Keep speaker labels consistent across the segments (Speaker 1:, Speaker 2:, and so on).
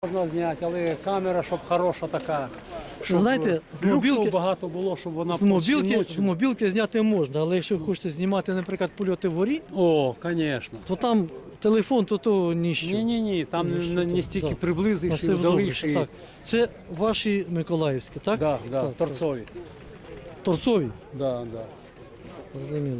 Speaker 1: Можна зняти, але камера, щоб хороша така. Щоб
Speaker 2: Знаєте,
Speaker 1: люксів багато було, щоб вона
Speaker 2: з мобілки зняти можна, але якщо хочете знімати, наприклад, польоти вгорі,
Speaker 1: О, звісно.
Speaker 2: то там телефон, то ніщо.
Speaker 1: Ні, там не стільки
Speaker 2: так.
Speaker 1: приблизиш і
Speaker 2: Це
Speaker 1: вдалиш.
Speaker 2: так. Це ваші миколаївські, так?
Speaker 1: Да,
Speaker 2: Так,
Speaker 1: торцові.
Speaker 2: Торцові?
Speaker 1: Да.
Speaker 2: Зрозуміло.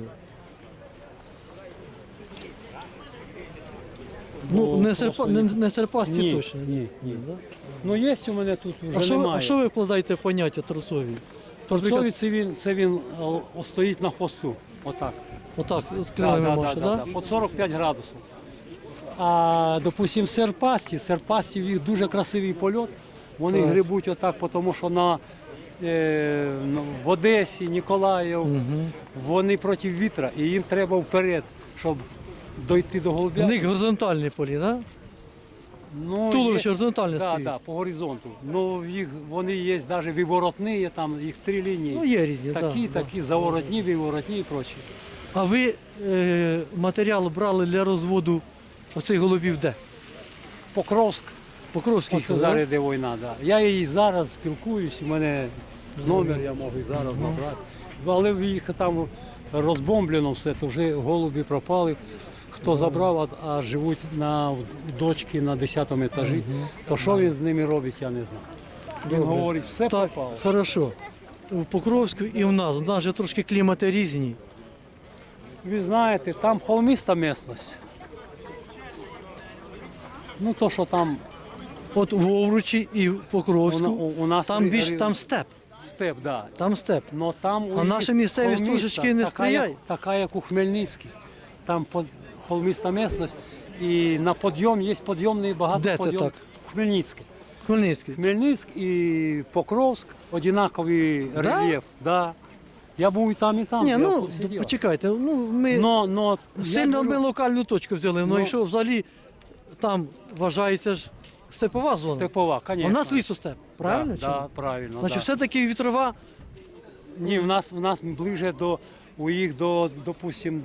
Speaker 2: Ну, не серпасті
Speaker 1: Ні,
Speaker 2: точно.
Speaker 1: ні.
Speaker 2: Да?
Speaker 1: Ну, є у мене тут вже немає.
Speaker 2: А що ви вкладаєте в поняття торцові?
Speaker 1: Торцові це він стоїть на хвосту. Отак.
Speaker 2: Отак, от крилами може,
Speaker 1: да. По 45 градусів. А, допустим, серпасті, в їх дуже красивий польот. Вони грибуть отак, тому що в Одесі, Ніколаїв, вони проти вітра, і їм треба вперед, щоб дойти до голубя.
Speaker 2: У них горизонтальні полі, так? Да?
Speaker 1: Ну,
Speaker 2: Туловище горизонтальне стоїть.
Speaker 1: Так, по горизонту. Ну, вони є навіть виворотні, там їх 3 лінії.
Speaker 2: Ну, є різні,
Speaker 1: Такі, заворотні, виворотні і прочі.
Speaker 2: А ви матеріал брали для розводу оцих голубів де?
Speaker 1: Покровськ,
Speaker 2: Покровський.
Speaker 1: ось зараз йде війна, да. Я її зараз спілкуюсь, у мене номер, я можу і зараз набрати. Але в їх там розбомблено все, то вже голуби пропали. Хто забрав, а живуть на дочки на 10-му етажі, то що він з ними робить, я не знаю. Він говорить, все
Speaker 2: Так,
Speaker 1: пропало.
Speaker 2: хорошо. В Покровську і в нас. У нас же трошки клімати різні.
Speaker 1: Ви знаєте, там холмиста місцевість. Ну то, що там
Speaker 2: От в Овручі і в Покровську,
Speaker 1: у нас
Speaker 2: там більш там степ.
Speaker 1: степ, да.
Speaker 2: Там степ.
Speaker 1: Но там
Speaker 2: А наша місцевість трошечки не сприяє.
Speaker 1: Така, як у Хмельницькій. Там холмиста місцевість і на підйом є підйомний багато
Speaker 2: Де це
Speaker 1: підйом.
Speaker 2: так?
Speaker 1: Хмельницький.
Speaker 2: Хмельницький.
Speaker 1: Хмельницьк і Покровськ однаковий рельєф. Да. Я був і там, і там.
Speaker 2: Ні,
Speaker 1: я
Speaker 2: ну
Speaker 1: тут сидів.
Speaker 2: почекайте, ну ми
Speaker 1: я
Speaker 2: сильно ми
Speaker 1: кажу,
Speaker 2: локальну точку взяли, але якщо взагалі там вважається ж степова зона.
Speaker 1: степова, звісно.
Speaker 2: А в нас лісостеп, правильно? чи ні?
Speaker 1: Да, правильно.
Speaker 2: Значить,
Speaker 1: да.
Speaker 2: все-таки вітрова.
Speaker 1: Ні, в нас ближе у їх допустим,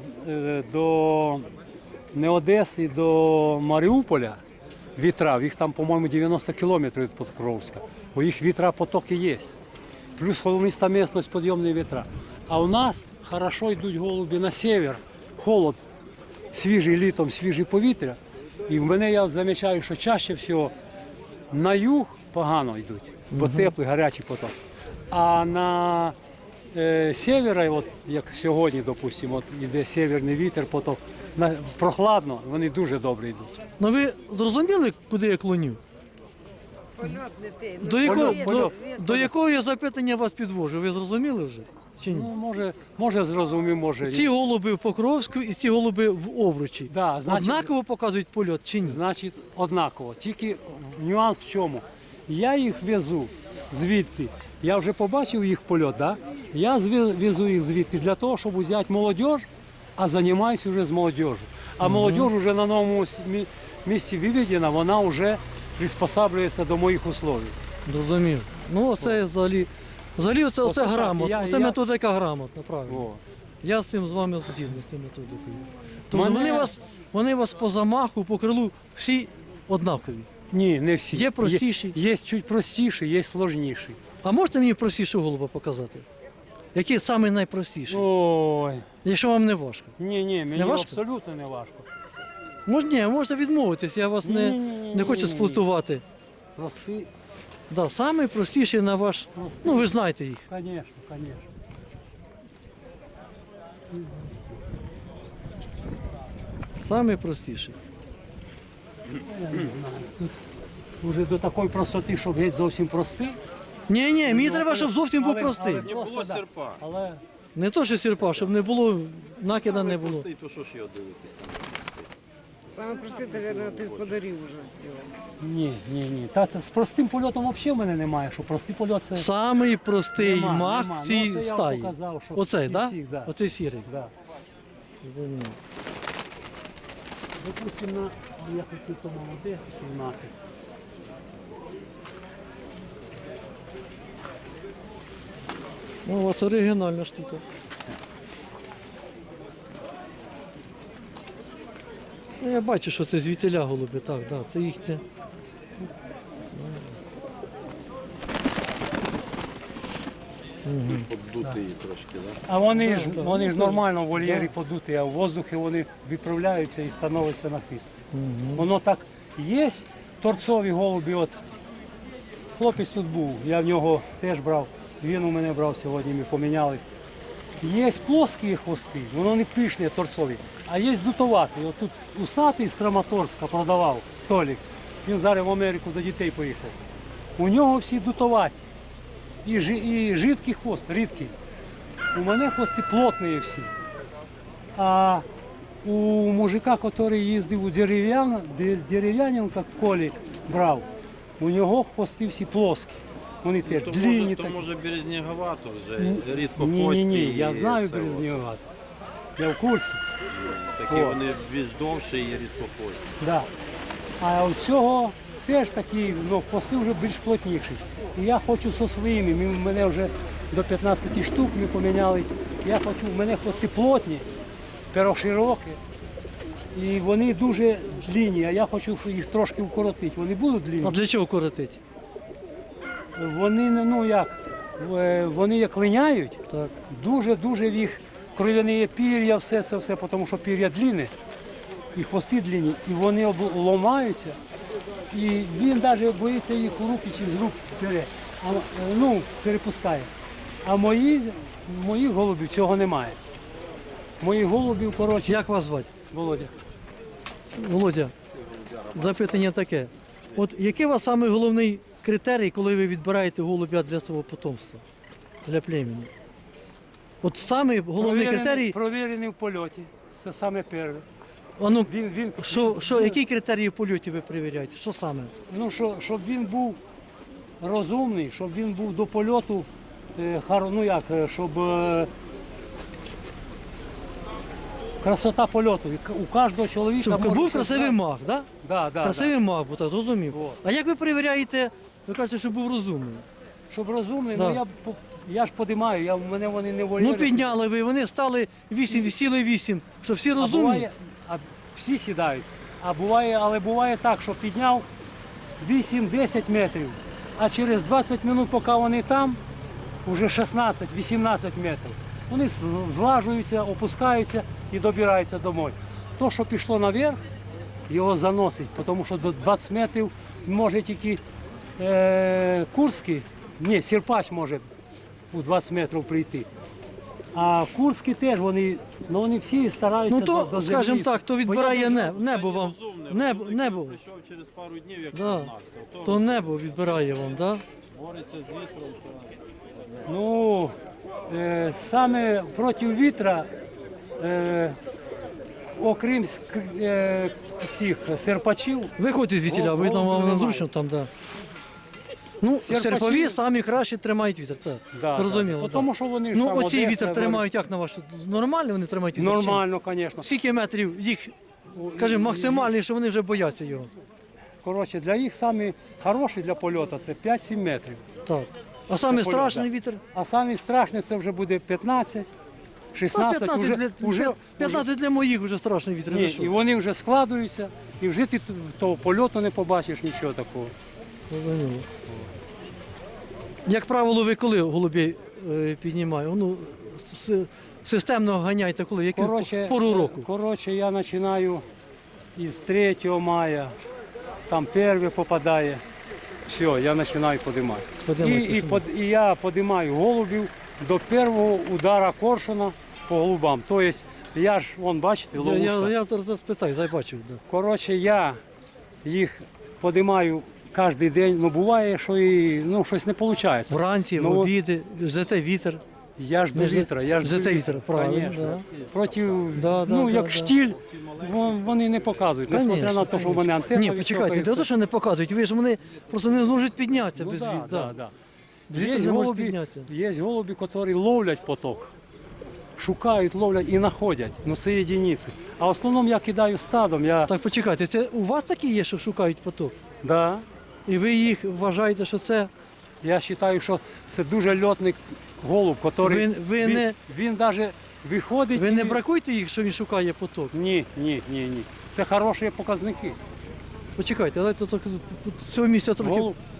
Speaker 1: до не Одеси, до Маріуполя вітра, їх там, по-моєму, 90 кілометрів від Покровська. У їх вітра потоки є. Плюс холмиста місцевість, підйомні вітра. А у нас хорошо йдуть голуби на север, холод, свіжий літом, свіже повітря. І в мене я замічаю, що чаще всього на юг погано йдуть, бо теплий, гарячий поток. А на севера, от як сьогодні, допустимо, от йде северний вітер, поток, прохладно, вони дуже добре йдуть.
Speaker 2: Ну ви зрозуміли, куди я клоню?
Speaker 3: Польот не ти.
Speaker 2: До якого я запитання вас підвожу? Ви зрозуміли вже? Чи ні?
Speaker 1: Ну, може зрозумів, може
Speaker 2: Ці
Speaker 1: ні.
Speaker 2: голуби в Покровську і ці голуби в Овручі.
Speaker 1: Да, значить-
Speaker 2: Однаково показують польот чи ні?
Speaker 1: Значить, однаково. Тільки нюанс в чому? Я їх везу звідти. Я вже побачив їх польот, да? Я везу їх звідти для того, щоб взяти молодь, а займаюся вже з молодежю. А молодь вже на новому місці виведена, вона вже приспосаблюється до моїх условий.
Speaker 2: Зрозумів. Ну оце взагалі оце
Speaker 1: так,
Speaker 2: грамотно. Оце
Speaker 1: я-
Speaker 2: методика грамотна, правильно.
Speaker 1: О.
Speaker 2: Я з цим з вами згідний, з цим методикою. Тобто
Speaker 1: Мене-
Speaker 2: вони вас по замаху, по крилу всі однакові.
Speaker 1: Ні, не всі.
Speaker 2: Є простіші?
Speaker 1: Є чуть простіші, є сложніші.
Speaker 2: А можете мені простішу голуба показати? Який самий найпростіший?
Speaker 1: Ой,
Speaker 2: Якщо вам не важко.
Speaker 1: ні, мені
Speaker 2: важко?
Speaker 1: абсолютно не важко.
Speaker 2: Можете відмовитись, я вас не хочу сплутувати.
Speaker 1: Прості,
Speaker 2: Да, самий простіший на ваш. Ну ви ж знаєте їх.
Speaker 1: звісно.
Speaker 2: Самий простіший.
Speaker 1: Уже до такої простоти, щоб геть зовсім простий.
Speaker 2: Ні, мені треба, щоб зовсім був простий.
Speaker 4: Не було серпа.
Speaker 1: Але
Speaker 2: Не то, що сірпа, щоб не було, накида не було.
Speaker 4: Простий, то що ж його дивитися?
Speaker 3: Саме простий, мабуть, ти подарив вже.
Speaker 1: ні. Та з простим польотом взагалі в мене немає, що простий польот це.
Speaker 2: Самий простий
Speaker 1: Нема.
Speaker 2: мах
Speaker 1: Ну,
Speaker 2: в цій
Speaker 1: це я вам
Speaker 2: стаї.
Speaker 1: показав, що
Speaker 2: Оцей,
Speaker 1: із
Speaker 2: так?
Speaker 1: всіх, да?
Speaker 2: Оцей сірий.
Speaker 1: Да.
Speaker 2: Зрозумів.
Speaker 1: Допустимо, я хотів то молоде знати.
Speaker 2: Ну, у вас оригінальна штука. Ну, я бачу, що це звітеля голуби, так, це їхня
Speaker 4: Поддутий трошки, так?
Speaker 1: А вони ж нормально в вольєрі подуті, а в воздухі вони відправляються і становляться на хвіст. Воно так є, торцові голубі, от хлопець тут був, я в нього теж брав, він у мене брав сьогодні, ми поміняли. Є плоскі хвости, воно не пишні, торцові, а є дутоваті. От тут усатий з Краматорська продавав, Толік, він зараз в Америку до дітей поїхав. У нього всі дутоваті. І жидкий хвост, рідкий. У мене хвости плотні всі. А у мужика, який їздив у дерев'яненка, Колі брав, у нього хвости всі плоскі. Вони теж длинні
Speaker 4: То
Speaker 1: такі.
Speaker 4: може березняговато вже, рідко
Speaker 1: Ні,
Speaker 4: хвості.
Speaker 1: я
Speaker 4: і
Speaker 1: знаю
Speaker 4: це от.
Speaker 1: березнігувати. Я в курсі.
Speaker 4: Такі
Speaker 1: О.
Speaker 4: вони більш довші і рідкохвості.
Speaker 1: Да. А у цього теж такі, ну, хвости вже більш плотніші. І я хочу зі своїми, в мене вже до 15 штук ми помінялись. Я хочу, в мене хвости плотні, перо широке. І вони дуже длинні, а я хочу їх трошки вкоротити. Вони будуть
Speaker 2: А
Speaker 1: длинні.
Speaker 2: для чого коротить?
Speaker 1: Вони, ну як, вони як линяють,
Speaker 2: Так.
Speaker 1: дуже-дуже в їх кров'яні пір'я, все це все, тому що пір'я длинне, і хвости длинні, і вони ламаються. І він навіть боїться їх у руки чи з рук бере, ну, перепускає. А моїх голубів цього немає. Моїх голубів, коротше,
Speaker 2: Як вас звати?
Speaker 1: Володя.
Speaker 2: Володя, запитання таке. От який у вас самий головний критерій, коли ви відбираєте голубя для свого потомства, для племені? От самий головний критерій,
Speaker 1: Провірений в польоті. Це саме перше.
Speaker 2: а ну,
Speaker 1: Він,
Speaker 2: який критерій в польоті ви перевіряєте? Що саме?
Speaker 1: Ну, щоб він був розумний, щоб він був до польоту, ну як, щоб красота польоту. У кожного чоловіка
Speaker 2: Щоб
Speaker 1: може
Speaker 2: був
Speaker 1: щось
Speaker 2: красивий
Speaker 1: знати.
Speaker 2: маг, да?
Speaker 1: Да, да,
Speaker 2: Красивий маг, бо так, зрозумів.
Speaker 1: Вот.
Speaker 2: А як ви перевіряєте, ви кажете, що був розумний?
Speaker 1: Щоб розумний,
Speaker 2: Да.
Speaker 1: ну я ж подимаю, в мене вони не вольєри.
Speaker 2: Ну підняли ви, вони стали 8, сіли 8, що всі
Speaker 1: А
Speaker 2: розумні?
Speaker 1: буває, всі сідають. Але буває так, що підняв 8-10 метрів, а через 20 хвилин, поки вони там, вже 16-18 метрів. Вони злажуються, опускаються і добираються домой. То, що пішло наверх, його заносить, тому що до 20 метрів може тільки Курський, ні, Сірпач може у 20 метрів прийти. А Курські теж, вони всі стараються
Speaker 2: Ну то,
Speaker 1: до землі.
Speaker 2: скажімо так, то
Speaker 1: Бо я
Speaker 2: відбирає
Speaker 1: дуже-
Speaker 2: небо вам. Небо.
Speaker 4: Прийшов через пару днів, як
Speaker 2: Да.
Speaker 4: загнався.
Speaker 2: То небо відбирає вам, так? Да?
Speaker 4: Бореться з вітром.
Speaker 1: Ну, саме проти вітра, окрім цих серпачів,
Speaker 2: Виходьте звідтіля, ви там вам
Speaker 1: немає.
Speaker 2: незручно там, так. Да. Ну,
Speaker 1: Серпачі-
Speaker 2: серпові самі краще тримають вітер, так.
Speaker 1: да,
Speaker 2: Зрозуміло.
Speaker 1: да.
Speaker 2: так.
Speaker 1: Тому що вони ж
Speaker 2: Ну,
Speaker 1: там
Speaker 2: оці
Speaker 1: Одеса,
Speaker 2: вітер
Speaker 1: вони-
Speaker 2: тримають, як на вашу? Нормально вони тримають вітер?
Speaker 1: Нормально, звісно.
Speaker 2: Скільки метрів їх, скажімо, максимальний, що вони вже бояться його?
Speaker 1: Коротше, для їх самі хороші для польоту це 5-7 метрів.
Speaker 2: Так. А саме
Speaker 1: Польот,
Speaker 2: страшний
Speaker 1: да.
Speaker 2: вітер?
Speaker 1: А самі страшні це вже буде 15,
Speaker 2: Ну,
Speaker 1: 16,
Speaker 2: 15, для, 15 для моїх вже страшний вітер.
Speaker 1: Ні,
Speaker 2: ви що?
Speaker 1: і вони вже складуються, і вже ти того польоту не побачиш, нічого такого.
Speaker 2: Зрозуміло. Як правило, ви коли голубей піднімаєте? Ну, системно ганяєте коли? Яку пору року?
Speaker 1: Коротше, я починаю із 3 мая, там перше попадає, все, я починаю подимати. І я подимаю голубів до першого удара коршуна по голубам. Тобто, я ж, вон, бачите, ловушка.
Speaker 2: Я зараз спитаю, бачив. Да.
Speaker 1: Коротше, я їх подимаю кожен день, ну буває, що і щось не виходить.
Speaker 2: Вранці, в
Speaker 1: Ну,
Speaker 2: обіди, ждете вітер.
Speaker 1: Я ж до
Speaker 2: Не за-
Speaker 1: вітра, я ж
Speaker 2: за
Speaker 1: до
Speaker 2: те
Speaker 1: вітра,
Speaker 2: вітер, правильно,
Speaker 1: конечно.
Speaker 2: да.
Speaker 1: Проти,
Speaker 2: Да,
Speaker 1: як
Speaker 2: да.
Speaker 1: штіль, вони не показують. Несмотря на те, що в мене антенна
Speaker 2: Ні,
Speaker 1: висока
Speaker 2: почекайте,
Speaker 1: і
Speaker 2: не те,
Speaker 1: все.
Speaker 2: що не показують, ви ж вони просто не зможуть піднятися
Speaker 1: Ну,
Speaker 2: без
Speaker 1: да,
Speaker 2: вітру.
Speaker 1: да, да.
Speaker 2: Вітер
Speaker 1: Є
Speaker 2: не може
Speaker 1: голуби,
Speaker 2: піднятися.
Speaker 1: які ловлять поток, шукають, ловлять і знаходять. Ну це єдиниці. А в основному я кидаю стадом.
Speaker 2: Так, почекайте, це у вас такі є, що шукають поток?
Speaker 1: Да,
Speaker 2: І ви їх вважаєте, що це
Speaker 1: я вважаю, що це дуже льотний голуб, який він навіть виходить.
Speaker 2: ви не
Speaker 1: і-
Speaker 2: бракуєте їх, що він шукає поток?
Speaker 1: Ні. Це хороші показники.
Speaker 2: Почекайте, давайте так, з цього місця трохи
Speaker 1: Голуб.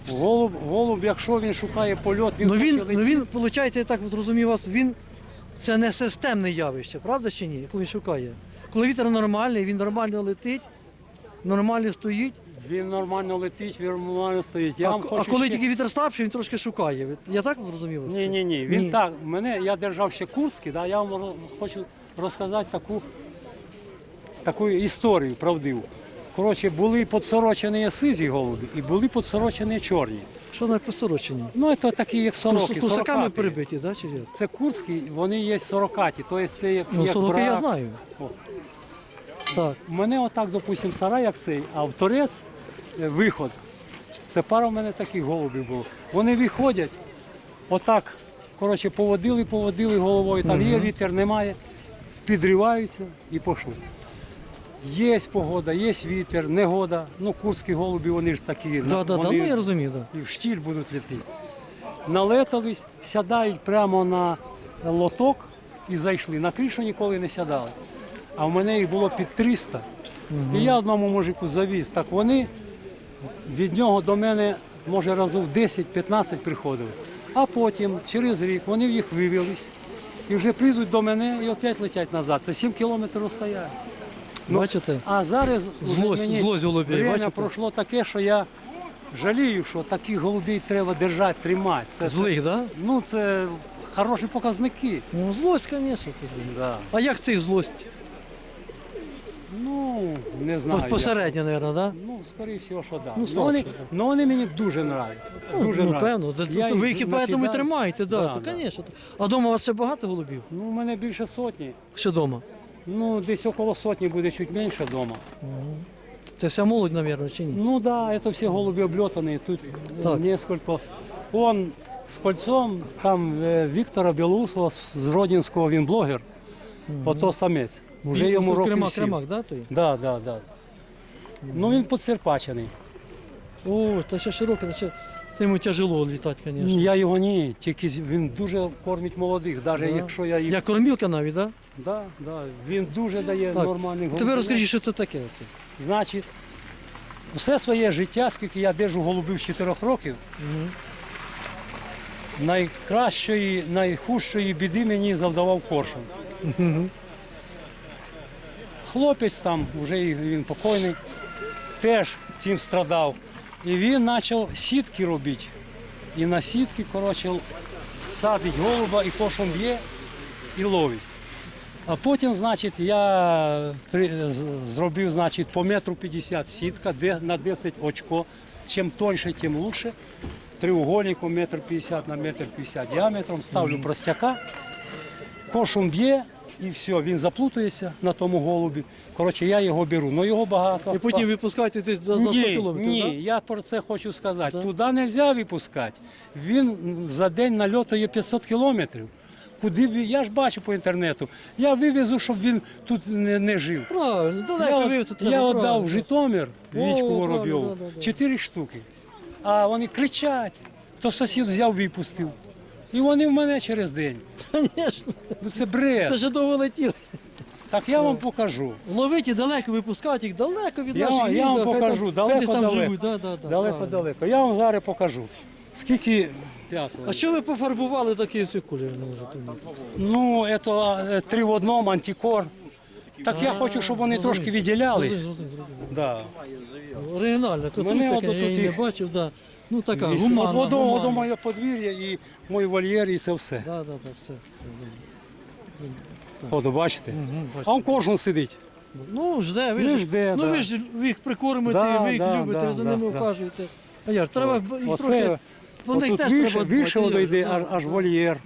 Speaker 1: Голуб, якщо він шукає польот, він
Speaker 2: Ну
Speaker 1: хоче
Speaker 2: він,
Speaker 1: летіти.
Speaker 2: ну він, виходить, я так зрозумів вас, він це не системне явище, правда чи ні? Коли він шукає. Коли вітер нормальний, він нормально летить, нормально стоїть.
Speaker 1: Він нормально летить, він нормально стоїть. Я
Speaker 2: А,
Speaker 1: вам
Speaker 2: а
Speaker 1: хочу
Speaker 2: коли
Speaker 1: ще...
Speaker 2: тільки вітер слабший, він трошки шукає. Я так зрозумів вас?
Speaker 1: Ні. Він так, я держав ще Курський, да, я вам хочу розказати таку історію правдиву. Коротше, були подсорочені сизі голуби і були подсорочені чорні.
Speaker 2: Що на посороченні?
Speaker 1: Ну, це такі, як сороки.
Speaker 2: Кусаками
Speaker 1: 40-ті.
Speaker 2: перебиті, да, чи як?
Speaker 1: Це Курські, вони є 40-ті, тобто це як,
Speaker 2: Ну,
Speaker 1: як
Speaker 2: сороки я
Speaker 1: брак.
Speaker 2: знаю.
Speaker 1: О.
Speaker 2: Так.
Speaker 1: У мене отак, допустим, сарай як цей, а в торець виход. Це пара в мене таких голубів було. Вони виходять, отак, коротше, поводили головою, там є вітер, немає, підриваються і пішли. Є погода, є вітер, негода. Ну, курські голуби, вони ж такі,
Speaker 2: Да,
Speaker 1: вони
Speaker 2: ну я розумію, так.
Speaker 1: і в штіль будуть летіти. Налетались, сядають прямо на лоток і зайшли. На кришу ніколи не сядали. А в мене їх було під 300. І я одному мужику завіз. Так вони від нього до мене, може, разів 10-15 приходили. А потім, через рік, вони в їх вивелись. І вже прийдуть до мене і опять летять назад. Це 7 кілометрів стоять. Ну,
Speaker 2: Бачите?
Speaker 1: А зараз вже
Speaker 2: Злость голубів,
Speaker 1: время
Speaker 2: бачите?
Speaker 1: пройшло таке, що я жалію, що таких голубів треба держати, тримати.
Speaker 2: Злих, так? Да?
Speaker 1: Ну, це хороші показники.
Speaker 2: Ну, злость, звісно.
Speaker 1: Да.
Speaker 2: А як цих злость?
Speaker 1: Ну, не знаю.
Speaker 2: Посередньо, мабуть, так? Да?
Speaker 1: як. Ну, скоріше всього, що так.
Speaker 2: Ну,
Speaker 1: Ну, вони,
Speaker 2: слабше,
Speaker 1: ну, вони мені дуже подобаються. Дуже
Speaker 2: Ну,
Speaker 1: нравляться.
Speaker 2: певно.
Speaker 1: Я
Speaker 2: Ви
Speaker 1: їх
Speaker 2: їх поэтому і
Speaker 1: накидаю.
Speaker 2: тримаєте,
Speaker 1: Да,
Speaker 2: то,
Speaker 1: да.
Speaker 2: звісно. А вдома у вас ще багато голубів?
Speaker 1: Ну, у мене більше сотні.
Speaker 2: Ще вдома?
Speaker 1: Ну, десь около сотні буде чуть менше вдома.
Speaker 2: Це вся молодь, мабуть, чи ні?
Speaker 1: Ну да, это все голуби облетанные. Тут
Speaker 2: Так.
Speaker 1: несколько. Он з кольцом, там Віктора Білоусова з Родінського, він блогер. Ото самець. Уже йому років 7.
Speaker 2: Кремак, да, той?
Speaker 1: Да. Ну він поцерпачений.
Speaker 2: О, та ще широке, це йому тяжело літати, звісно.
Speaker 1: Я його ні, тільки він дуже кормить молодих, навіть якщо я їх.
Speaker 2: Я кормілка навіть, так?
Speaker 1: Да. Він дуже дає
Speaker 2: Так.
Speaker 1: нормальних голубів.
Speaker 2: Тебе розкажіть, що це таке?
Speaker 1: Значить, все своє життя, скільки я держу голубів з 4 років, найкращої, найхужчої біди мені завдавав коршун. Хлопець там, вже він покойний, теж цим страдав. І він почав сітки робити. І на сітки, коротше, садить голуба, і коршун б'є і ловить. А потім, значить, я зробив, значить, по 1,50 м сітка, де на 10 очко. Чим тоньше, тим краще. Треугольником 1,50 м на 1,50 м діаметром, ставлю простяка, коршун б'є і все, він заплутається на тому голубі. Коротше, я його беру, але його багато.
Speaker 2: І потім випускаєте десь за 100 кілометрів,
Speaker 1: Ні,
Speaker 2: так?
Speaker 1: я про це хочу сказати. Туди не можна випускати. Він за день нальотує 500 кілометрів. Куди я ж бачу по інтернету. Я вивезу, щоб він тут не жив.
Speaker 2: Правильно, далеко вивезти треба.
Speaker 1: Я
Speaker 2: правильно.
Speaker 1: віддав в Житомир Вічку
Speaker 2: правильно,
Speaker 1: Воробйову
Speaker 2: да.
Speaker 1: 4 штуки. А вони кричать, то сусід взяв, випустив. І вони в мене через день.
Speaker 2: Звісно,
Speaker 1: Ну це бред.
Speaker 2: це ж довго летіли.
Speaker 1: Так я вам покажу.
Speaker 2: Ловити далеко, випускати їх далеко від
Speaker 1: Я
Speaker 2: наших
Speaker 1: вам
Speaker 2: відео, хай
Speaker 1: покажу,
Speaker 2: там- хай десь там
Speaker 1: далеко-далеко.
Speaker 2: живуть, да, правильно.
Speaker 1: Далеко-далеко. Я вам зараз покажу. Скільки.
Speaker 2: А що ви пофарбували такі ці кольори?
Speaker 1: Ну, це 3 в 1, антикор. Так я хочу, щоб вони трошки виділялись. Да.
Speaker 2: Оригінально, тут
Speaker 1: Мене
Speaker 2: таке,
Speaker 1: от
Speaker 2: я
Speaker 1: тут
Speaker 2: її не
Speaker 1: їх-
Speaker 2: бачив, да. Ну така,
Speaker 1: І
Speaker 2: гуманна.
Speaker 1: Одно моє подвір'я і мій вольєр, і це все.
Speaker 2: Да, все.
Speaker 1: От, бачите?
Speaker 2: бачу.
Speaker 1: А он кожен сидить.
Speaker 2: Ну, жде, ви
Speaker 1: Ну,
Speaker 2: ж,
Speaker 1: жде,
Speaker 2: ну,
Speaker 1: да.
Speaker 2: ви ж їх прикормите,
Speaker 1: Да,
Speaker 2: ви їх
Speaker 1: да,
Speaker 2: любите,
Speaker 1: да,
Speaker 2: ви за
Speaker 1: да,
Speaker 2: ними
Speaker 1: да.
Speaker 2: ухажуєте. А як, треба їх трохи,
Speaker 1: Оце,
Speaker 2: по них
Speaker 1: отут
Speaker 2: теж
Speaker 1: вище,
Speaker 2: треба дбати.
Speaker 1: вище воно йде, аж вольєр.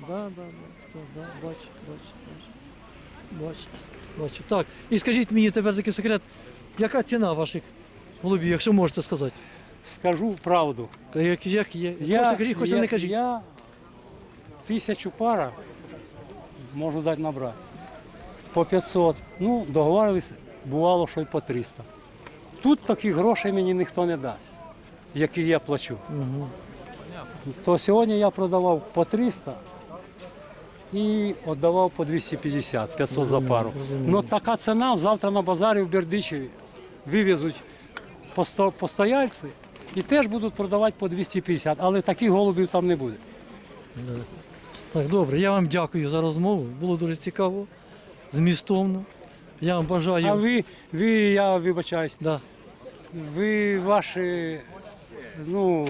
Speaker 2: Бачу. Так, і скажіть мені тепер такий секрет, яка ціна ваших голубів, якщо можете сказати?
Speaker 1: Скажу правду.
Speaker 2: Як є? Хочете кажіть, хочете не кажіть.
Speaker 1: Я 1000 пара можу дати набрати. По 500. Ну, договорились, бувало, що й по 300. Тут таких грошей мені ніхто не дасть, які я плачу. То сьогодні я продавав по 300 і віддавав по 250, 500 за пару. Ну така ціна завтра на базарі в Бердичеві вивезуть постояльці і теж будуть продавати по 250, але таких голубів там не буде.
Speaker 2: Так, добре, я вам дякую за розмову. Було дуже цікаво, змістовно. Я вам бажаю.
Speaker 1: А я вибачаюсь,
Speaker 2: Да.
Speaker 1: ви ваші, ну,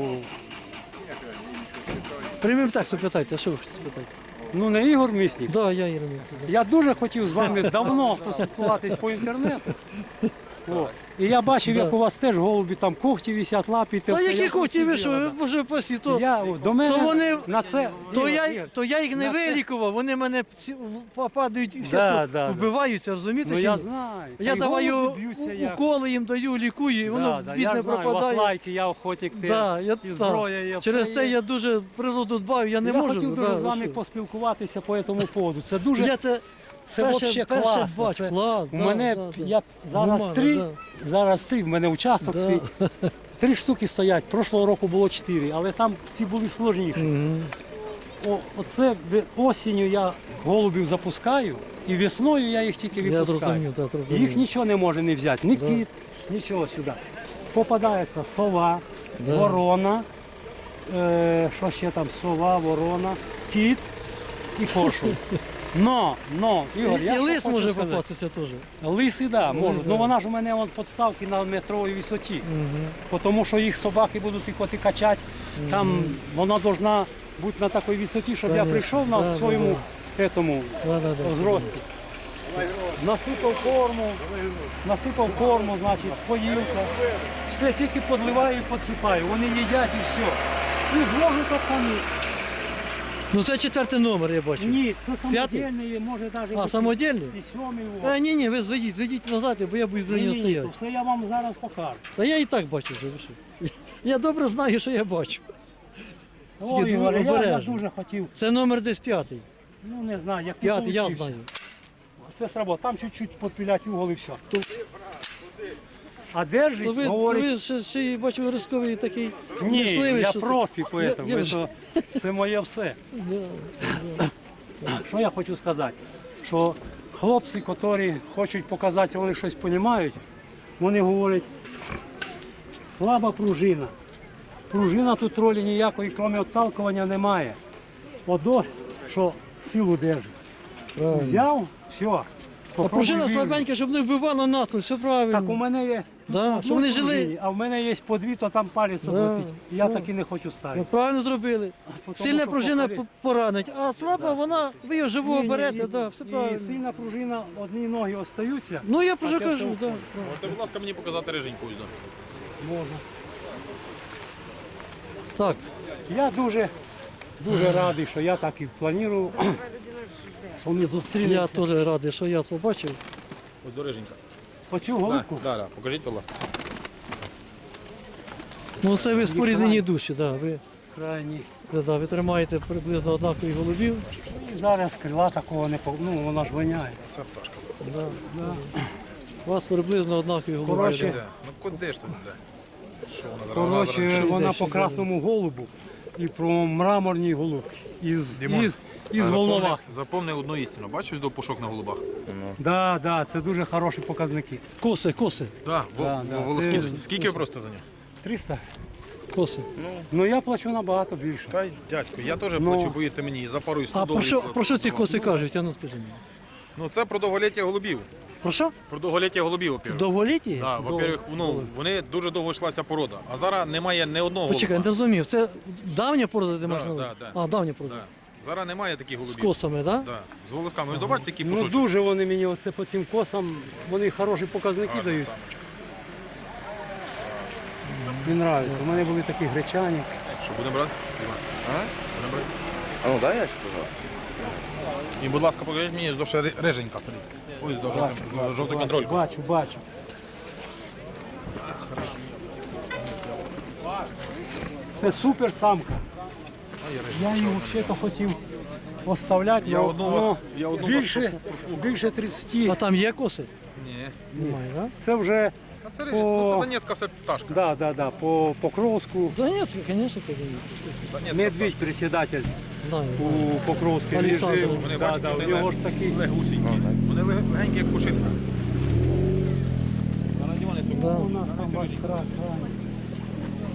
Speaker 2: Прямим текстом питайте, а що ви хочете спитати?
Speaker 1: ну не Ігор Міснік.
Speaker 2: Да, я Ірина.
Speaker 1: Я дуже хотів з вами давно поспілкуватись по інтернету. О, і я бачив, як у вас теж голубі там когті висять, лапі. те
Speaker 2: Та
Speaker 1: все.
Speaker 2: які
Speaker 1: Я
Speaker 2: хоті ви
Speaker 1: хотів,
Speaker 2: що, ви боже пасі, то,
Speaker 1: До мене
Speaker 2: то вони-
Speaker 1: на це.
Speaker 2: то,
Speaker 1: Ігор,
Speaker 2: я,
Speaker 1: Ігор,
Speaker 2: то я їх не
Speaker 1: на це-
Speaker 2: вилікував, вони мене попадають і все
Speaker 1: Да.
Speaker 2: вбиваються, розумієте?
Speaker 1: Ну
Speaker 2: чи
Speaker 1: я
Speaker 2: ні?
Speaker 1: знаю.
Speaker 2: Я
Speaker 1: Та й
Speaker 2: даваю
Speaker 1: голуби б'ються як.
Speaker 2: уколи їм даю, лікую, і воно
Speaker 1: Я
Speaker 2: бідне
Speaker 1: знаю, у вас
Speaker 2: пропадає.
Speaker 1: лайки, я охотник,
Speaker 2: Да, я,
Speaker 1: і зброя є.
Speaker 2: Через
Speaker 1: все
Speaker 2: це
Speaker 1: є.
Speaker 2: я дуже природу дбаю, я не
Speaker 1: я
Speaker 2: можу.
Speaker 1: хотів
Speaker 2: да,
Speaker 1: дуже з
Speaker 2: ви
Speaker 1: вами
Speaker 2: що?
Speaker 1: поспілкуватися по цьому поводу. Це дуже,
Speaker 2: Я це
Speaker 1: це
Speaker 2: перше-
Speaker 1: взагалі
Speaker 2: перше
Speaker 1: класно.
Speaker 2: бачу,
Speaker 1: Це,
Speaker 2: клас,
Speaker 1: у
Speaker 2: да,
Speaker 1: мене,
Speaker 2: да, да.
Speaker 1: я зараз
Speaker 2: Нормально,
Speaker 1: зараз три, в мене участок
Speaker 2: Да.
Speaker 1: свій. 3 штуки стоять, прошлого року було 4, але там ці були сложніші.
Speaker 2: Мгм.
Speaker 1: Оце осінню я голубів запускаю, і весною я їх тільки
Speaker 2: Я
Speaker 1: випускаю.
Speaker 2: зрозумів, так,
Speaker 1: Їх
Speaker 2: зрозумів.
Speaker 1: нічого не може не взяти, ні кіт, нічого сюди. Попадається сова,
Speaker 2: Да.
Speaker 1: ворона, що ще там, сова, ворона, кіт і коршун. Но, Ігор, я
Speaker 2: І
Speaker 1: що
Speaker 2: лис
Speaker 1: хочу
Speaker 2: може
Speaker 1: сказати.
Speaker 2: попастися теж.
Speaker 1: Лиси, да, можуть.
Speaker 2: да.
Speaker 1: Ну вона ж у мене подставки на метровій висоті. Тому що їх собаки будуть і коти качати. Там вона повинна бути на такій висоті, щоб я
Speaker 2: Конечно.
Speaker 1: прийшов на
Speaker 2: Да,
Speaker 1: своєму этому,
Speaker 2: Да, да, да.
Speaker 1: зрості. Насипав корму, значить, поїлка. Все, тільки підливаю і підсипаю. Вони їдять і все. І зможу так вони.
Speaker 2: Ну це 4-й номер, я бачу.
Speaker 1: Ні, це самодільний, може навіть
Speaker 2: А, самодільний?
Speaker 1: і 7-й.
Speaker 2: Ні, ви зведіть назад, бо я буду біля нього
Speaker 1: Ні,
Speaker 2: стояти.
Speaker 1: то все я вам зараз покажу.
Speaker 2: Та я і так бачу вже. ви що. Я добре знаю, що я бачу.
Speaker 1: Ой,
Speaker 2: Тільки
Speaker 1: Ігор, я
Speaker 2: обережно.
Speaker 1: дуже хотів,
Speaker 2: Це номер десь 5-й.
Speaker 1: ну не знаю, як ти
Speaker 2: 5-й, я
Speaker 1: получився.
Speaker 2: знаю.
Speaker 1: Це сработало, там чуть-чуть підпілять угол і все. А держить,
Speaker 2: То ви,
Speaker 1: говорить,
Speaker 2: ще й бачу рисковий такий
Speaker 1: ні,
Speaker 2: мисливий,
Speaker 1: я
Speaker 2: що-
Speaker 1: профі, поэтому,
Speaker 2: Я вже-
Speaker 1: це моє все. Що я хочу сказати? Що хлопці, які хочуть показати, що вони щось розуміють, вони говорять, слаба пружина. Пружина тут ролі ніякої, крім відталкування, немає. Одо, що силу держить.
Speaker 2: Правильно.
Speaker 1: Взяв, все.
Speaker 2: А пружина слабенька, щоб не вбивало натовп, все правильно.
Speaker 1: Так у мене є.
Speaker 2: Да,
Speaker 1: тут
Speaker 2: щоб вони
Speaker 1: одну
Speaker 2: жили.
Speaker 1: пружині, а в мене є по дві, то там палець облетить. І я так і не хочу
Speaker 2: Ви
Speaker 1: ставити.
Speaker 2: правильно зробили.
Speaker 1: Тому
Speaker 2: Сильна
Speaker 1: що
Speaker 2: пружина
Speaker 1: попали-
Speaker 2: поранить, а слаба вона, ви його живого берете, да, все
Speaker 1: І
Speaker 2: правильно.
Speaker 1: сильна пружина, одні ноги остаються.
Speaker 2: Ну я вже
Speaker 1: це
Speaker 2: кажу,
Speaker 1: все
Speaker 2: да.
Speaker 4: Можете, будь ласка, мені показати риженьку ось.
Speaker 1: Можна.
Speaker 2: Так,
Speaker 1: Я дуже радий, що я так і планував, що ми
Speaker 2: я
Speaker 1: зустрінемося.
Speaker 2: теж радий, що я побачив.
Speaker 4: Ось до риженька.
Speaker 1: Оцю голубку.
Speaker 4: Да. Покажіть, будь ласка.
Speaker 2: Ну це ви споріднені душі, да,
Speaker 1: Крайні.
Speaker 2: ви тримаєте приблизно однакові голубів.
Speaker 1: І зараз крила такого не ну вона ж воняє.
Speaker 4: Це пташка.
Speaker 2: У вас приблизно однакові голуби.
Speaker 1: Коротше,
Speaker 4: Ну куди ж тут, бля? Що вона
Speaker 1: Коротше,
Speaker 2: ще
Speaker 1: вона
Speaker 2: йде,
Speaker 1: по
Speaker 2: ще
Speaker 1: красному голубу і про мраморній голубці.
Speaker 4: Дімон,
Speaker 1: Із Волновах.
Speaker 4: Запомни одну істину. Бачиш до пушок на голубах?
Speaker 1: Да, це дуже хороші показники.
Speaker 2: Коси.
Speaker 4: Да,
Speaker 1: Да.
Speaker 4: волоски.
Speaker 1: Це-
Speaker 4: Скільки ви просто за нього?
Speaker 1: 300.
Speaker 2: Коси.
Speaker 1: Ну я плачу набагато більше.
Speaker 4: Та й дядько, я теж
Speaker 1: Ну.
Speaker 4: плачу, боїте мені, за пару і 100
Speaker 2: А
Speaker 4: доларів.
Speaker 2: про що ці коси кажуть? А ну скажи мені.
Speaker 4: Ну це про довголіття голубів.
Speaker 2: Про що?
Speaker 4: Про довголіття голубів, во-первых.
Speaker 2: Довголіті?
Speaker 4: Да, во-первых, ну, вони дуже довго йшла ця порода. А зараз немає ні одного
Speaker 2: Почекай, не
Speaker 4: голуба.
Speaker 2: зрозумів. Це давня порода, де можна?
Speaker 4: да.
Speaker 2: А, давня порода.
Speaker 4: Да. Зараз немає таких
Speaker 2: З
Speaker 4: голубів.
Speaker 2: косами, так?
Speaker 4: Да. З волосками. Ви бачите, такі
Speaker 1: Ну
Speaker 4: пушочки?
Speaker 1: дуже вони мені оце по цим косам, вони хороші показники
Speaker 4: Гарна
Speaker 1: дають.
Speaker 4: самочка.
Speaker 1: Мені подобається. У мене були такі гречані.
Speaker 4: Що, будемо брати? Іван? Будемо брати?
Speaker 5: А ну дай я ще пожалуйста.
Speaker 4: І, будь ласка, покажіть мені, до ще риженька сидить. Ось до жовтий контрольку.
Speaker 1: Бачу. Це супер самка. Я її взагалі хотів оставляти,
Speaker 4: Я
Speaker 1: але
Speaker 4: одну
Speaker 1: воно
Speaker 4: вас- я одну
Speaker 1: більше
Speaker 2: А
Speaker 1: 30.
Speaker 2: там є коси?
Speaker 4: Ні.
Speaker 2: Немає, так?
Speaker 1: Це вже
Speaker 4: А це рижі, ну це Донецька все пташка.
Speaker 1: по Покровську.
Speaker 2: Донецька, звісно, це Донецька.
Speaker 4: Донецька
Speaker 1: Медведь председатель
Speaker 2: Знаю.
Speaker 1: у Покровській
Speaker 2: Олександр.
Speaker 1: жив.
Speaker 4: Вони,
Speaker 1: Да,
Speaker 4: бачите,
Speaker 1: у
Speaker 4: вони
Speaker 1: нього ж такі.
Speaker 4: легусінькі. Вони легенькі, як пушинка. Зараз Іване цю
Speaker 2: Да.
Speaker 1: У нас там край.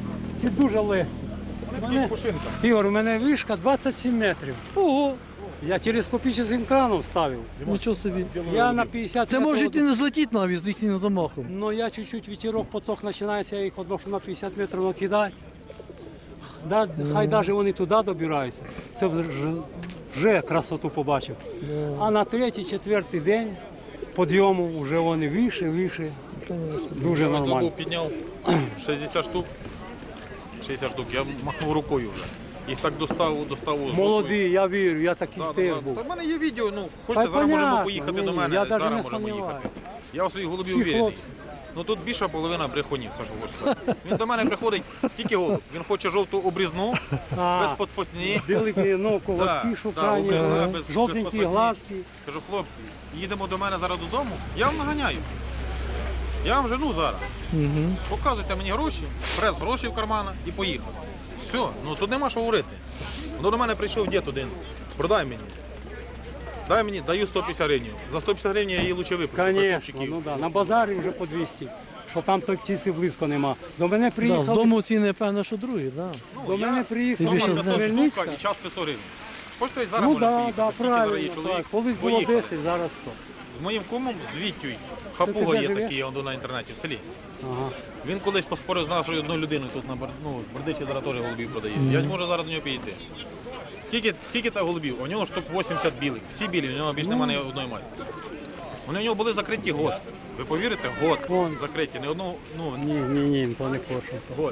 Speaker 1: ці дуже легкі.
Speaker 4: Вони пушинка.
Speaker 1: Ігор, у мене вишка 27 метрів.
Speaker 2: Ого,
Speaker 1: Я телескопічним краном ставив.
Speaker 2: нічого собі.
Speaker 1: Я на 50
Speaker 2: Це
Speaker 1: метрів.
Speaker 2: можуть і не злетіти навіть з їхнім замахом.
Speaker 1: Ну я чуть-чуть вітерок, поток починається, я їх одношу на 50 метрів накидати. Да, хай навіть вони туди добираються. Це вже красоту побачив. А на третій, четвертий день підйому вже вони вище. Дуже
Speaker 4: Я добу
Speaker 1: нормально.
Speaker 4: підняв 60 штук. 60 штук. Я махнув рукою вже. Їх так достав.
Speaker 1: Молодий, я вірю, я такий теж
Speaker 4: Та
Speaker 1: був.
Speaker 4: в мене є відео, ну,
Speaker 1: Та
Speaker 4: хочете, зараз можемо
Speaker 1: понятно,
Speaker 4: поїхати
Speaker 1: ні,
Speaker 4: до мене,
Speaker 1: я навіть
Speaker 4: зараз
Speaker 1: не
Speaker 4: можемо
Speaker 1: сумніваюся.
Speaker 4: їхати. Я у своїх голубів
Speaker 1: Всі
Speaker 4: уверений.
Speaker 1: хлопці.
Speaker 4: Ну тут більша половина брехунів, це що хочу сказати. Він до мене приходить, скільки голуб? Він хоче жовту обрізну, без подфотні.
Speaker 1: Білий, ну,
Speaker 4: Да,
Speaker 1: колотки
Speaker 4: да,
Speaker 1: шукання,
Speaker 4: обрізна, без
Speaker 1: жовтенькі
Speaker 4: подфотні.
Speaker 1: глазки.
Speaker 4: Кажу, хлопці, їдемо до мене зараз додому, я вам наганяю. Я вам жену зараз. Показуйте мені гроші, прес гроші в кармана і поїхав. Все, ну тут нема що говорити. Ну до мене прийшов дід один, продай мені. Дай мені, даю 150 гривень. За 150 гривень я її лучше випущу.
Speaker 1: Звісно, ну да. На базарі вже по 200, що там той птиці близько нема. До мене
Speaker 2: Да, з
Speaker 1: приїхали,
Speaker 2: дому ціни, певно, що другі, да.
Speaker 1: до мене приїхали
Speaker 2: більше
Speaker 1: з
Speaker 2: знаєш.
Speaker 4: штука
Speaker 1: Хмельницька.
Speaker 4: і час 500 гривень. Хочете зараз
Speaker 1: Ну
Speaker 4: може
Speaker 1: так,
Speaker 4: поїхати?
Speaker 1: да,
Speaker 4: Скільки дорогий
Speaker 1: правильно.
Speaker 4: чоловік?
Speaker 1: Так. Колись було
Speaker 4: Поїхали.
Speaker 1: 10, зараз 100.
Speaker 4: З моїм кумом, з Віттю,
Speaker 1: Це
Speaker 4: Хапуга
Speaker 1: ти де
Speaker 4: є
Speaker 1: живеш?
Speaker 4: такий, я на інтернеті, в селі.
Speaker 1: Ага.
Speaker 4: Він колись поспорив з нашою одною людиною тут на Бердичі, зараз теж голубів продає. Я можу зараз до нього підійти. Скільки та голубів? У нього штук 80 білих. Всі білі, у нього більше немає ні одної масті. Вони у нього були закриті год. Ви повірите? Год
Speaker 1: Вон.
Speaker 4: закриті. Не одного, ну,
Speaker 1: Ні, то не хочу.
Speaker 4: год.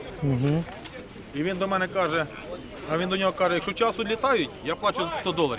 Speaker 4: І він до мене каже, а він до нього каже, якщо часу літають, я плачу $100.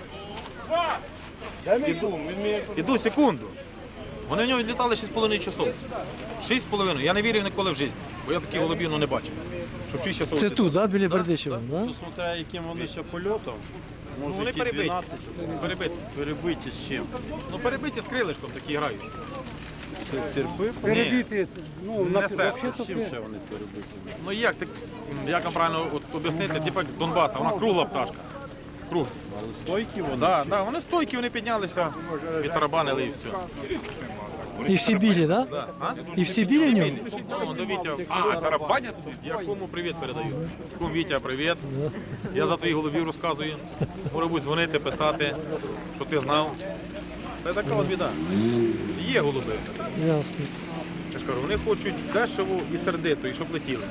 Speaker 4: Іду секунду. Вони в нього літали 6,5 часов. 6,5. Я не вірив ніколи в житті, бо я таких голубів не бачив. Щоб 6 часов
Speaker 2: Це
Speaker 4: летіти.
Speaker 2: тут, да, біля Бердичева, да?
Speaker 5: Ну, смотря яким вони ще польотом,
Speaker 4: Ну,
Speaker 5: може
Speaker 4: вони
Speaker 5: які
Speaker 4: перебиті.
Speaker 5: 12,
Speaker 4: Перебиті.
Speaker 5: перебиті з чим.
Speaker 4: Ну перебиті з крилишком такі грають.
Speaker 5: Це серпи,
Speaker 1: Перебити, ну,
Speaker 4: Не все.
Speaker 1: взагалі-то
Speaker 5: чим ще вони перебиті?
Speaker 4: Ну як вам правильно от, об'яснити, типу як з Донбаса, вона кругла пташка. Круг.
Speaker 5: Але стойкі вони.
Speaker 4: Да, да, вони стойкі, вони піднялися, відтарабанили і все.
Speaker 2: І всі білі, да?
Speaker 4: Да. А?
Speaker 2: І всі білі в ньому?
Speaker 4: Ну, до Вітя. Тарабанять? Я кому привіт передаю. Кум Вітя, привіт. Я за твоїх голубів розказую. Може бути дзвонити, писати, що ти знав. Це така от біда. Є голуби.
Speaker 2: Ясно.
Speaker 4: Я ж кажу, вони хочуть дешево і сердито, і щоб летіли.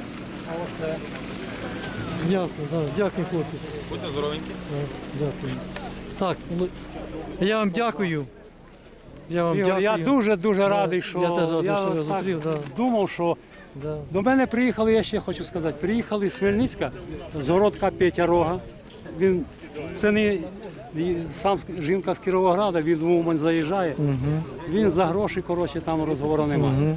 Speaker 2: Ясно, да. Дякую, хлопці.
Speaker 4: Будьте здоровенькі.
Speaker 2: Да, дякую. Так, ну, я вам дякую. Я вам
Speaker 1: Ігор,
Speaker 2: дякую.
Speaker 1: я дуже радий, що
Speaker 2: Я теж радий, що я
Speaker 1: так
Speaker 2: зустрів, да.
Speaker 1: думав, що
Speaker 2: Да.
Speaker 1: до мене приїхали, я ще хочу сказати, приїхали з Хмельницька, з городка Петя Рога. Це не сам жінка з Кіровограда, він в Умань заїжджає. Він за гроші, коротше, там розговору немає.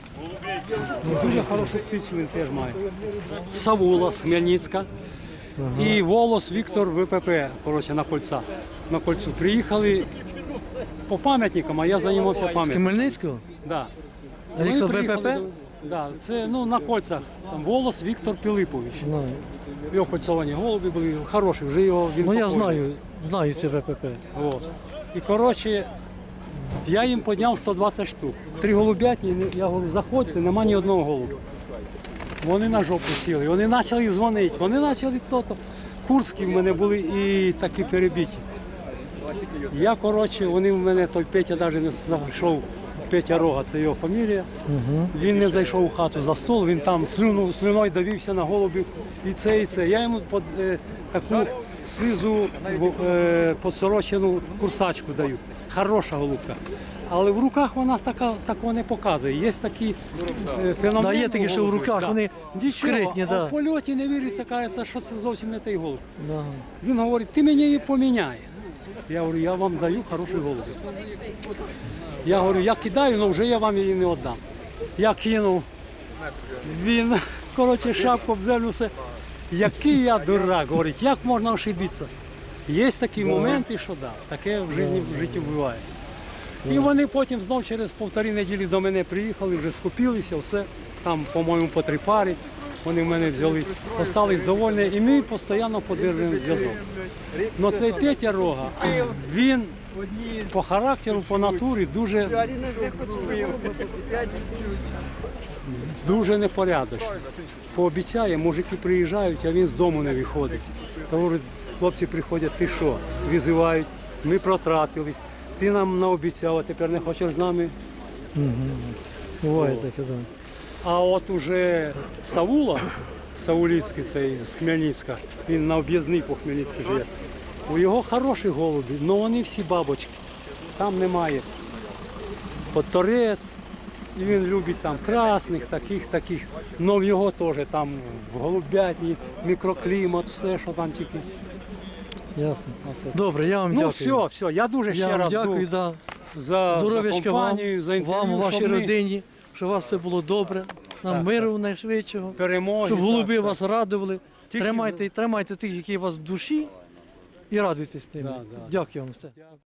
Speaker 1: Дуже хорошу птицю він теж має. Савула з Хмельницька і Волос Віктор ВПП, коротше, на кольцу. Приїхали по пам'ятникам, а я займався
Speaker 2: З
Speaker 1: пам'ятником.
Speaker 2: Хмельницького?
Speaker 1: Да.
Speaker 2: А
Speaker 1: Вони
Speaker 2: Віктор
Speaker 1: приїхали
Speaker 2: ВПП?
Speaker 1: Да, це на кольцах. Там Волос Віктор Пилипович.
Speaker 2: Знаю.
Speaker 1: Його кольцовані голуби були хороші, вже його він
Speaker 2: Ну я
Speaker 1: покойний.
Speaker 2: знаю це ВПП.
Speaker 1: От. І коротше, я їм підняв 120 штук. 3 голубятні, я говорю, заходьте, нема ні одного голуба. Вони на жопу сіли, вони почали дзвонити, вони почали хто-то. Курські в мене були і такі перебиті. Я, коротше, вони в мене, той Петя навіть не зайшов, Петя Рога, це його фамілія. Він не зайшов у хату за стол, він там слюною давився на голубів і це, і це. Я йому таку сизу подсорочену курсачку даю. Хороша голубка. Але в руках вона такого не показує. Є такі феномени.
Speaker 2: Да, є такі, що в руках вони скритні,
Speaker 1: а
Speaker 2: да.
Speaker 1: в польоті не віриться, кажеться, що це зовсім не той голуб.
Speaker 2: Да.
Speaker 1: Він говорить, ти мені її поміняє. Я говорю, я вам даю хороший голуб. Я говорю, я кидаю, але вже я вам її не віддам. Я кинув. Він, коротше, шапку в землю все. Який я дурак, говорить, як можна ошибитися? Є такі моменти, що да, таке в житті буває. І вони потім знов через 1,5 неділі до мене приїхали, вже скупилися, все. Там, по-моєму, по 3 пари. Вони в мене взяли, остались довольні, і ми постійно підтримуємо зв'язок. Но цей Петя Рога, він по характеру, по натурі дуже дуже непорядочний. Пообіцяє, мужики приїжджають, а він з дому не виходить. То говорить, хлопці приходять, ти що? Визивають, ми протратились, ти нам наобіцяв, а тепер не хочеш з нами.
Speaker 2: Буває таке, так.
Speaker 1: А от уже Саула, Сауліцький цей з Хмельницька, він на об'їзній по Хмельницькій живе. У його хороші голуби, але вони всі бабочки. Там немає. Подторець, і він любить там красних, таких. Но в його теж там в голубятні, мікроклімат, все, що там тільки.
Speaker 2: Ясно. Добре, я вам
Speaker 1: Ну
Speaker 2: дякую.
Speaker 1: все, я дуже
Speaker 2: Я
Speaker 1: ще
Speaker 2: вам
Speaker 1: раз
Speaker 2: дякую,
Speaker 1: за
Speaker 2: здоров'ячка вам,
Speaker 1: компанію, за інтерв'ю,
Speaker 2: вам, вашій
Speaker 1: щоб ми
Speaker 2: родині, щоб у вас все було добре, нам
Speaker 1: Так,
Speaker 2: миру найшвидшого,
Speaker 1: перемоги.
Speaker 2: щоб голуби
Speaker 1: так,
Speaker 2: вас радували.
Speaker 1: Тільки
Speaker 2: Тримайте тих, які у вас в душі, і радуйтесь ними.
Speaker 1: Да, да.
Speaker 2: Дякую вам все.
Speaker 1: так.